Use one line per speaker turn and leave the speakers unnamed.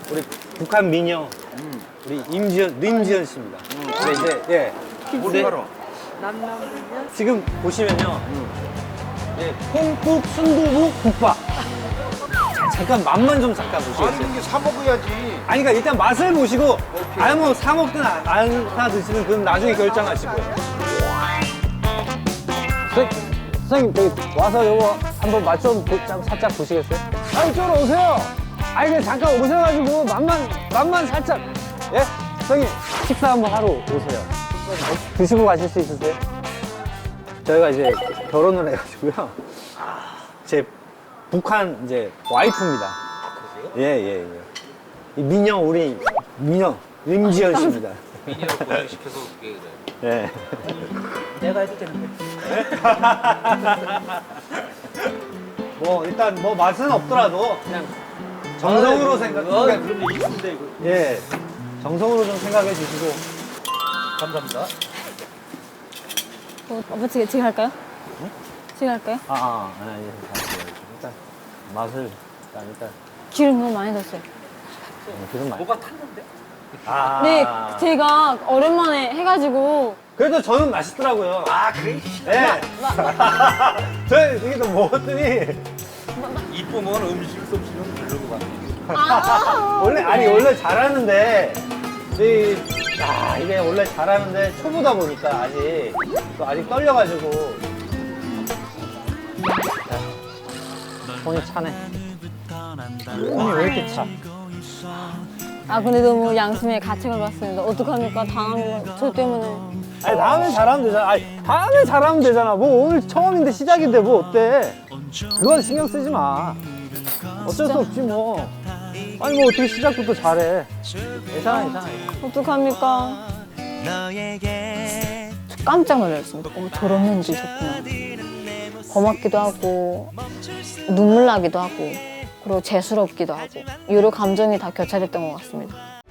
우리 북한 미녀 우리 임지연 씨입니다. 근데 이제 예.
뭘 팔아?
지금 보시면요. 예, 콩국 순두부 국밥. 잠깐 맛만 좀 잠깐 보시겠어요?
아니 이게 사 먹어야지.
아니 그러니까 일단 맛을 보시고 아니 뭐 사 먹든 안 사 드시든 그건 나중에 결정하시고요. 선생님 저기 와서 요거 한번 맛 좀 살짝 보시겠어요? 아 이쪽으로 오세요. 아니 그냥 잠깐 오셔가지고 맛만 살짝. 예? 선생님 식사 한번 하러 오세요. 드시고 가실 수 있으세요? 저희가 이제 결혼을 해가지고요. 제 북한 이제 와이프입니다. 예. 이 민영 우리 민영 임지연 씨입니다.
미니를 고생시켜서 그게 그래.
예.
내가 해도 되는데.
뭐 일단 뭐 맛은 없더라도 그냥 정성으로 생각해.
그러면 이쁜데 이거.
예. 정성으로 좀 생각해 주시고.
감사합니다.
아빠 지금 할까요? 지금 할까요?
예. 일단 맛을 일단
기름 너무 많이 넣었어요.
기름 많이.
뭐가 탔는데?
아.
네, 제가 오랜만에 해가지고
그래도 저는 맛있더라고요.
아 그래?
예. 저 이게 또 먹었더니
이쁘면 음식 솜씨는 별로고 같아.
원래 잘하는데 이게 원래 잘하는데 초보다 보니까 아직 떨려가지고 손이 차네. 손이 왜 이렇게 차?
아 근데 너무 양심에 가책을 받습니다. 어떡합니까? 당하면 저 때문에.
아니 다음에 잘하면 되잖아. 아니 다음에 잘하면 되잖아. 뭐 오늘 처음인데 시작인데 뭐 어때? 그건 신경 쓰지 마. 어쩔 수 없지 뭐. 아니 뭐 어떻게 시작부터 잘해? 괜찮아.
어떡합니까? 깜짝 놀랐습니다. 저런 면도 있었구나. 고맙기도 하고 눈물 나기도 하고 그리고 재수롭기도 하고 여러 감정이 다 교차됐던 것 같습니다.